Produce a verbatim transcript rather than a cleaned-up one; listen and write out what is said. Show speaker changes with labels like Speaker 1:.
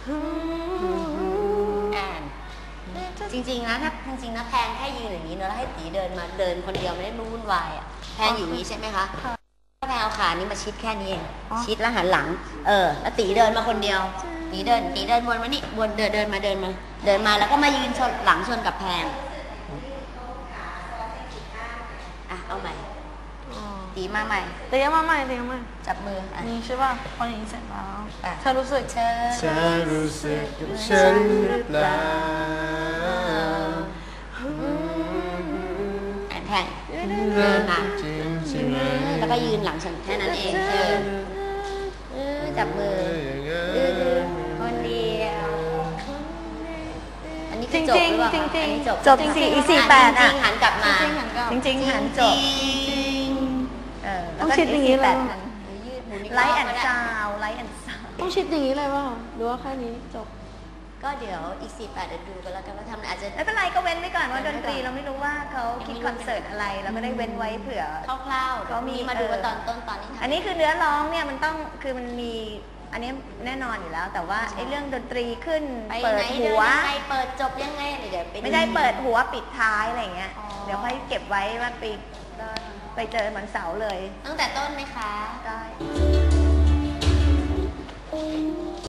Speaker 1: อ่านจริงๆนะถ้าจริงๆนะแพงแค่ยืนอย่างนี้เนอะแล้วให้ตีเดินมาเดินคนเดียวไม่ได้วุ่นวายอ่ะแพงอยู่นี้ใช่ไหมคะถ้าแพงเอาขานี้มาชิดแค่นี้เองชิดแล้วหันหลังเออแล้วตีเดินมาคนเดียวตีเดินตีเดินวนมานี่วนเดินเดินมาเดินมาเดินมาแล้วก็มายืนชนหลังชนกับแพงอ่ะเอาใหม่ตีมาใหม่
Speaker 2: ตีมาใหม่ตีมาใหม่
Speaker 1: จับมือ
Speaker 2: นี่ใช่ป่ะพออย่างนี้เสร็จแล้วเธอรู้สึก
Speaker 1: เธอ
Speaker 3: เธอรู้สึกกับฉันหรือเปล่า
Speaker 1: อ่านแพงเดินมาแล้วก็ยืนหลังฉันแค่นั้นเองเออจับมือคนเดียวอันนี้จริงจริงจริงจริงจบ
Speaker 2: จบจริงจริงอีสี่แปดอ่ะ
Speaker 1: หันกลับมา
Speaker 2: จริงจริงหันจบ
Speaker 1: ต้องชิดอย่างนี้เลย
Speaker 2: ไลท์แอนด์ซาวไลท์แอนด์ซาว
Speaker 4: ต้องชิดอย่างนี้เลยว่าหรือว่าแค่นี้จบ
Speaker 1: ก็เดี๋ยวอีกสี่แปดเดี๋ยวดูกันแล้วกันว่าทำอาจจะ
Speaker 2: ไม่เป็นไรก็เว้นไว้ก่อนว่าดนตรีเราไม่รู้ว่าเขาคิดคอนเสิร์ตอะไรเราก็ได้เว้นไว้เผื่อ
Speaker 1: คร่าวๆเขามีมาดูว่าตอนต้นตอนนี้
Speaker 2: อันนี้คือเนื้อร้องเนี่ยมันต้องคือมันมีอันนี้แน่นอนอยู่แล้วแต่ว่าไอ้เรื่องดนตรีขึ้นเปิดหัว
Speaker 1: เปิดจบยังไงเดี๋ยว
Speaker 2: ไม่ได้เปิดหัวปิดท้ายอะไรเงี้ยเดี๋ยวค่อยเก็บไว้ว่าไปไปเจอเหมือนเสาเลย
Speaker 1: ตั้งแต่ต้นไหมคะ
Speaker 2: ได้